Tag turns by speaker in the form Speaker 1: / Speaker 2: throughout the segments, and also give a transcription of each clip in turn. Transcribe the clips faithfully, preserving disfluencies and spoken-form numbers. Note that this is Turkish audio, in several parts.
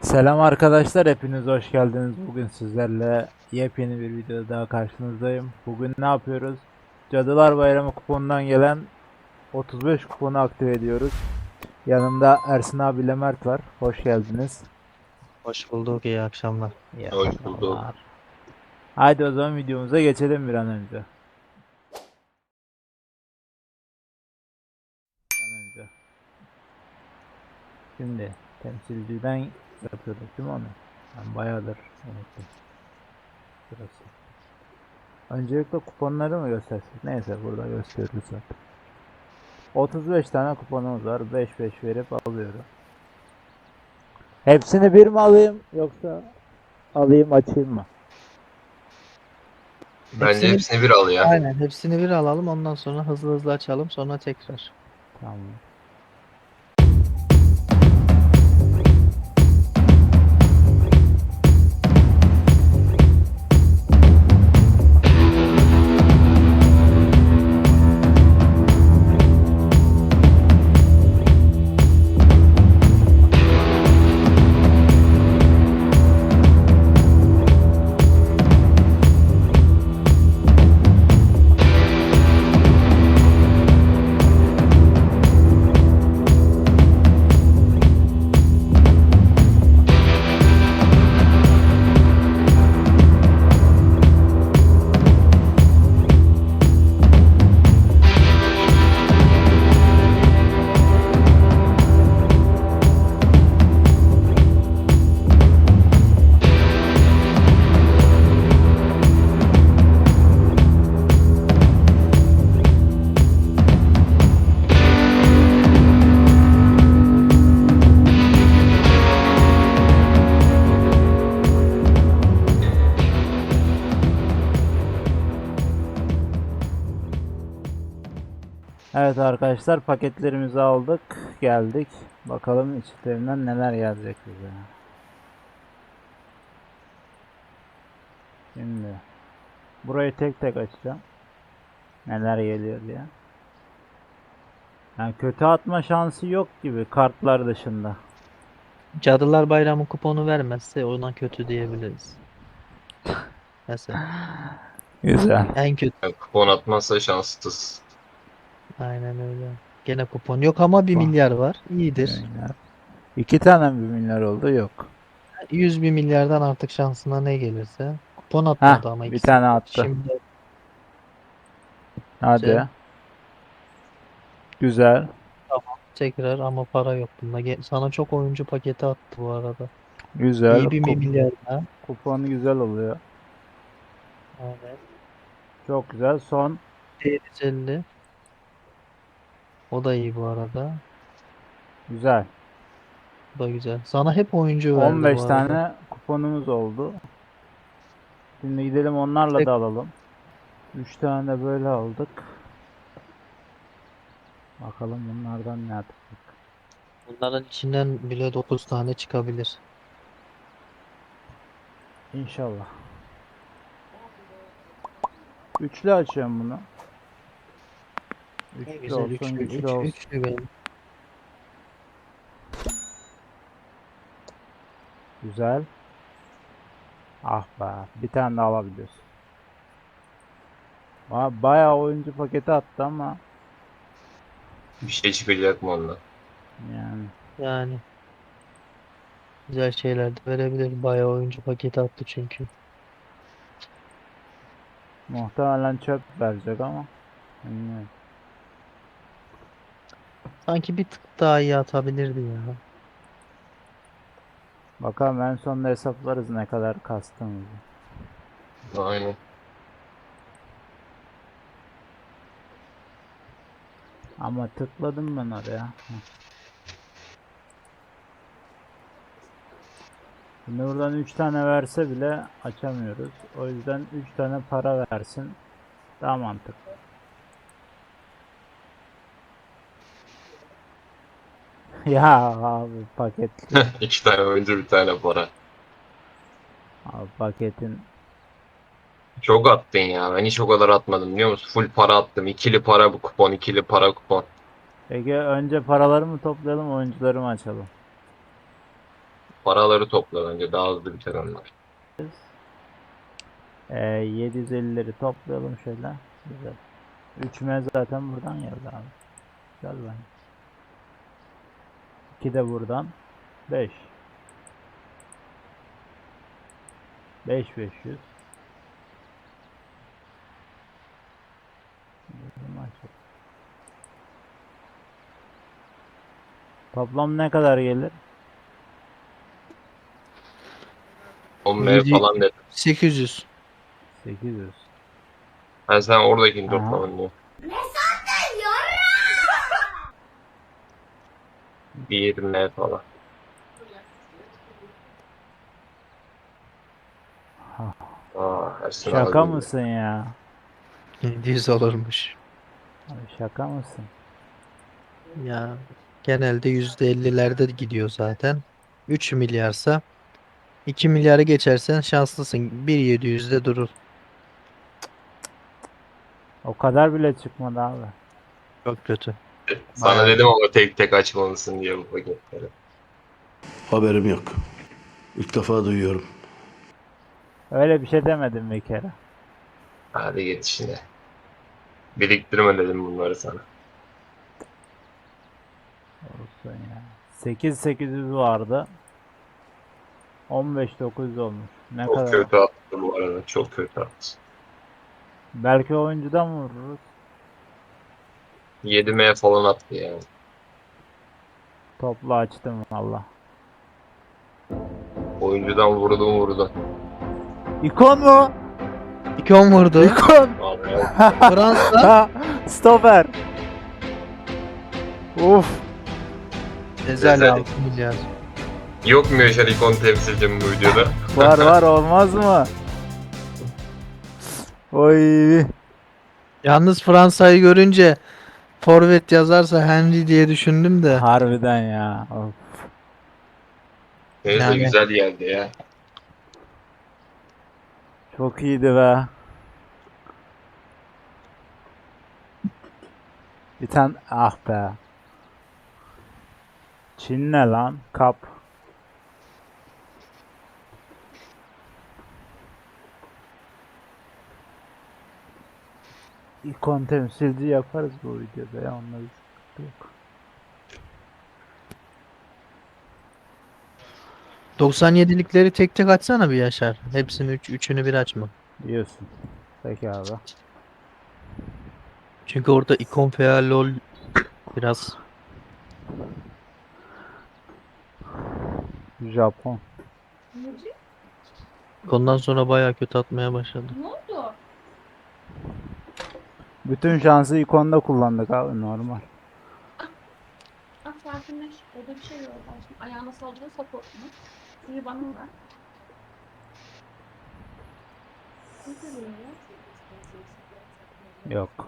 Speaker 1: Selam arkadaşlar, hepiniz hoş geldiniz. Bugün sizlerle yepyeni bir video daha karşınızdayım. Bugün ne yapıyoruz? Cadılar Bayramı kuponundan gelen otuz beş kuponu aktive ediyoruz. Yanımda Ersin abiyle Mert var. Hoş geldiniz.
Speaker 2: Hoş bulduk, iyi akşamlar.
Speaker 1: İyi
Speaker 3: Hoş bulduk.
Speaker 1: akşamlar. Haydi o zaman videomuza geçelim bir an önce. Bir an önce. Şimdi temsilciden yapıyorduk değil mi onu? Ben bayağıdır unuttum. Burası. Öncelikle kuponları mı göstersek? Neyse burada gösteriyoruz zaten. otuz beş tane kuponumuz var. beş beş verip alıyorum. Hepsini bir mi alayım yoksa alayım açayım mı?
Speaker 3: Bence
Speaker 2: Hepsini
Speaker 3: hepsini bir al ya.
Speaker 2: aynen hepsini bir alalım, ondan sonra hızlı hızlı açalım, sonra tekrar.
Speaker 1: Tamam. Evet arkadaşlar, paketlerimizi aldık. Geldik. Bakalım içlerinden neler gelecek bize. Şimdi burayı tek tek açacağım. Neler geliyor diye. Yani kötü atma şansı yok gibi kartlar dışında.
Speaker 2: Cadılar Bayramı kuponu vermezse ona kötü diyebiliriz. Mesela
Speaker 1: Güzel.
Speaker 2: en kötü.
Speaker 3: Yani kupon atmazsa şanssız.
Speaker 2: Aynen öyle. Gene kupon yok ama bir
Speaker 1: Bak,
Speaker 2: milyar var.
Speaker 1: bir
Speaker 2: İyidir.
Speaker 1: milyar. İki tane bir milyar oldu, yok.
Speaker 2: yüz bir milyardan artık şansına ne gelirse. Kupon
Speaker 1: Heh,
Speaker 2: atmadı ama
Speaker 1: bir
Speaker 2: ikisi.
Speaker 1: tane attı.
Speaker 2: Şimdi güzel.
Speaker 1: Hadi. Güzel.
Speaker 2: Tamam. Tekrar ama para yok bunda. Ge- Sana çok oyuncu paketi attı bu arada.
Speaker 1: Güzel.
Speaker 2: İyi bir
Speaker 1: Kup
Speaker 2: milyar daha.
Speaker 1: kupon güzel oluyor.
Speaker 2: Evet.
Speaker 1: Çok güzel. Son
Speaker 2: yedi yüz elli. O da iyi bu arada.
Speaker 1: güzel.
Speaker 2: Bu da güzel. Sana hep oyuncu verdi bu
Speaker 1: on beş
Speaker 2: arada.
Speaker 1: tane kuponumuz oldu. Şimdi gidelim onlarla
Speaker 2: Tek
Speaker 1: da alalım. üç tane de böyle aldık. Bakalım bunlardan ne yapacak.
Speaker 2: bunların içinden bile dokuz tane çıkabilir.
Speaker 1: İnşallah. Üçlü açıyorum bunu.
Speaker 2: Ne
Speaker 1: Üçlü
Speaker 2: güzel
Speaker 1: olsun,
Speaker 2: üçlü,
Speaker 1: güçlü
Speaker 2: üç,
Speaker 1: olsun.
Speaker 2: üçlü benim.
Speaker 1: Güzel. Ah be. Bir tane daha alabiliyorsun. Ba- Bayağı oyuncu paketi attı ama
Speaker 3: Bir şey çıkacak mı ondan?
Speaker 1: yani
Speaker 2: Yani güzel şeyler de verebilir. Bayağı oyuncu paketi attı çünkü.
Speaker 1: muhtemelen çöp verecek ama bilmiyorum.
Speaker 2: Sanki bir tık daha iyi atabilirdi ya.
Speaker 1: Bakalım en sonunda hesaplarız ne kadar kastığımızı.
Speaker 3: Aynen.
Speaker 1: Ama tıkladım ben oraya. Heh. Şimdi buradan üç tane verse bile açamıyoruz. O yüzden üç tane para versin. Daha mantıklı. Ya abi paketli.
Speaker 3: İki tane oyuncu bir tane para.
Speaker 1: Abi paketin.
Speaker 3: Çok attın ya. Ben hiç o kadar atmadım biliyor musun? Full para attım. İkili para bu kupon, ikili para kupon.
Speaker 1: Peki önce paraları mı toplayalım, oyuncuları mı açalım?
Speaker 3: Paraları topla bence daha hızlı biter onlar.
Speaker 1: Ee, yedi yüz ellileri toplayalım şöyle. Güzel. üç M zaten buradan geldi abi. Güzel bence. iki de buradan. beş. beş beş yüz. Toplam ne kadar gelir?
Speaker 3: on M
Speaker 2: Yedi-
Speaker 3: falan dedim.
Speaker 2: sekiz yüz.
Speaker 1: sekiz yüz.
Speaker 3: Ben sen oradakini
Speaker 1: Aha.
Speaker 3: toplamın diyor. bir M falan.
Speaker 1: Ha,
Speaker 3: Aa, Ersin
Speaker 1: şaka
Speaker 3: abi.
Speaker 1: mısın ya?
Speaker 2: yedi yüz olurmuş.
Speaker 1: Abi şaka mısın?
Speaker 2: Ya genelde yüzde ellilerde gidiyor zaten. üç milyarsa iki milyarı geçersen şanslısın. bir yedi yüzde durur.
Speaker 1: O kadar bile çıkmadı abi.
Speaker 2: Çok kötü.
Speaker 3: Sana
Speaker 1: Bayağı
Speaker 3: dedim
Speaker 1: düşük.
Speaker 3: ama tek tek açmalısın diye bu paketleri.
Speaker 4: Haberim yok. İlk defa duyuyorum.
Speaker 1: Öyle bir şey demedim bir kere.
Speaker 3: Hadi git işine. Biriktirme dedim bunları sana.
Speaker 1: Olsun ya. sekiz sekiz yüz vardı. on beş dokuz yüz olmuş. Ne
Speaker 3: Çok
Speaker 1: kadar?
Speaker 3: kötü attı bu arada. Çok kötü attı.
Speaker 1: Belki oyuncudan vururuz.
Speaker 3: yedi M falan attı yani.
Speaker 1: Toplu açtım valla.
Speaker 3: Oyuncudan vurdum vurdum.
Speaker 1: İkon mu?
Speaker 2: iki on vurdu.
Speaker 1: İkon.
Speaker 3: Vallahi
Speaker 2: Fransa.
Speaker 1: Stoper. Uf.
Speaker 2: Ezel
Speaker 3: Ezel.
Speaker 2: altı milyar.
Speaker 3: yok mu Yaşar ikon temsilcim bu videoda?
Speaker 1: Var var olmaz mı? Oy.
Speaker 2: Yalnız Fransa'yı görünce forvet yazarsa Henry diye düşündüm de.
Speaker 1: Harbiden ya. Of.
Speaker 3: Neyse
Speaker 2: Yani
Speaker 3: güzel geldi ya.
Speaker 1: Çok iyiydi be. Bir tane ah be. Çin ne lan? Kap. İkon temsilci yaparız bu videoda ya. Onunla bir sıkıntı yok.
Speaker 2: doksan yedilikleri tek tek açsana bir Yaşar. Hepsini üç, üçünü bir açma.
Speaker 1: Diyorsun. Peki abi.
Speaker 2: Çünkü orada ikon veya lol biraz
Speaker 1: Japon.
Speaker 2: ondan sonra bayağı kötü atmaya başladı.
Speaker 5: Ne oldu?
Speaker 1: Bütün şansı ikonda kullandık abi normal.
Speaker 5: Ah sakinleş. Orada bir şey yok. Aşkım ayağına saldırı support mu? Suyu bana ver. Ne diyor ya?
Speaker 1: Yok.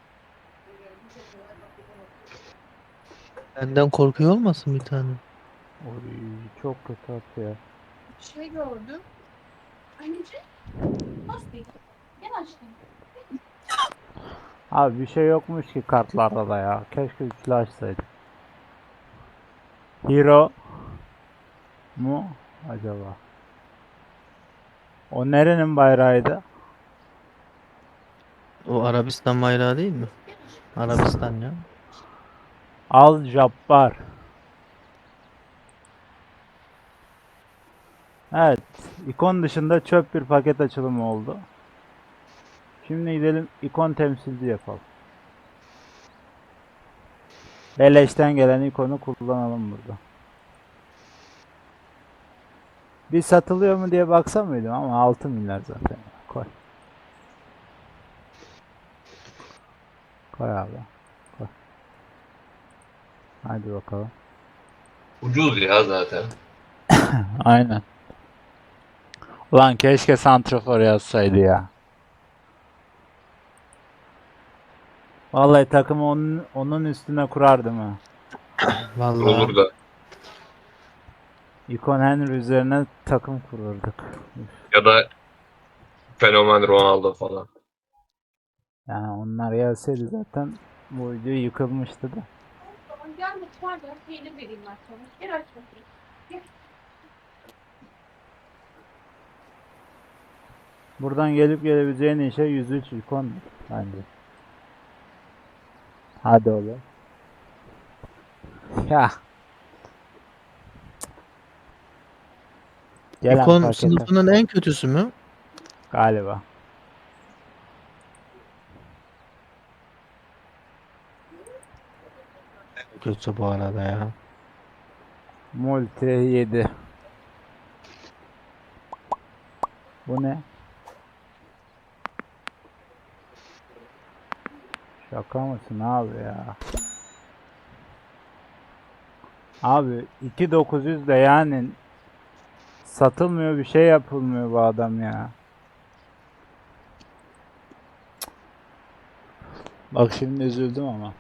Speaker 2: Benden korkuyor olmasın bir tane?
Speaker 1: Oy, çok kötü atıyor.
Speaker 5: Bir şey gördüm. Anneciğim. Nasıl değil? Gel aşkım.
Speaker 1: Abi bir şey yokmuş ki kartlarda da ya. Keşke üçlü açsaydık. Hero mu acaba? O nerenin bayrağıydı?
Speaker 2: O Arabistan bayrağı değil mi? Arabistan ya.
Speaker 1: Al Jabbar. Evet. İkon dışında çöp bir paket açılımı oldu. Şimdi gidelim ikon temsilci yapalım. Beleşten gelen ikonu kullanalım burada. Bir satılıyor mu diye baksam mıydım ama altı milyar zaten. Koy. Koy abi. Koy. Hadi bakalım.
Speaker 3: Ucuz ya zaten.
Speaker 1: Aynen. Ulan keşke santrafor yazsaydı ya. Vallahi takımı onun, onun üstüne kurardım ha.
Speaker 2: Vallahi
Speaker 3: Olur da.
Speaker 1: İkon Henry üzerine takım kururduk.
Speaker 3: Ya da fenomen Ronaldo falan.
Speaker 1: Yani onlar gelseydi zaten bu video yıkılmıştı da.
Speaker 5: Tamam gel mutfağa gel. Peynir vereyim ben sana. Gel aç bakayım. Gel.
Speaker 1: Buradan gelip gelebileceğin işe yüz üç ikon bence. Hadi oğlum. Ya. Gelen
Speaker 2: İkon
Speaker 1: pakete
Speaker 2: sınıfının en kötüsü mü?
Speaker 1: galiba.
Speaker 2: Kötü bu arada ya.
Speaker 1: Multi yedi. Bu ne? Şaka mısın abi ya? Abi iki bin dokuz yüz de yani satılmıyor, bir şey yapılmıyor bu adam ya. Bak şimdi üzüldüm ama.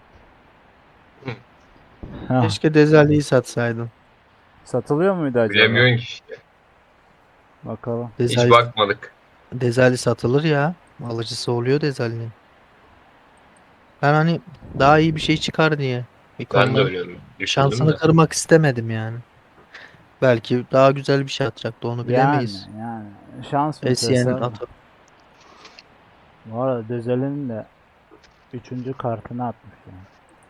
Speaker 1: Hah,
Speaker 2: Keşke Dezali'yi satsaydın.
Speaker 1: satılıyor muydu acaba?
Speaker 3: Bilemiyorsun ki işte.
Speaker 1: Bakalım.
Speaker 3: Hiç
Speaker 2: Dezali,
Speaker 3: bakmadık.
Speaker 2: Dezali satılır ya. Alıcısı oluyor Dezali'nin. Ben hani daha iyi bir şey çıkar diye.
Speaker 3: Ben de
Speaker 2: İkon'dan
Speaker 3: öyle düşündüm
Speaker 2: şansını
Speaker 3: de.
Speaker 2: kırmak istemedim yani. Belki daha güzel bir şey atacaktı, onu
Speaker 1: Yani
Speaker 2: bilemeyiz.
Speaker 1: yani şans meselesi
Speaker 2: Esiye'nin
Speaker 1: abi.
Speaker 2: atı.
Speaker 1: Bu arada Dözel'in de üçüncü kartını atmış yani.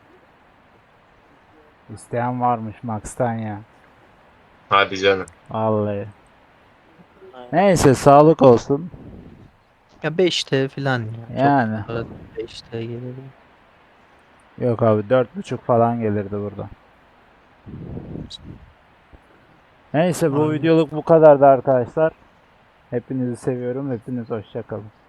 Speaker 1: İsteyen varmış Max'tan ya.
Speaker 3: Hadi canım.
Speaker 1: Vallahi. Neyse sağlık olsun.
Speaker 2: Ya beş T falan ya. Çok
Speaker 1: Yani.
Speaker 2: para beş T gelir.
Speaker 1: Yok abi dört buçuk falan gelirdi burada. Neyse bu
Speaker 2: Aynen.
Speaker 1: videoluk bu kadardı arkadaşlar. Hepinizi seviyorum. Hepiniz hoşça kalın.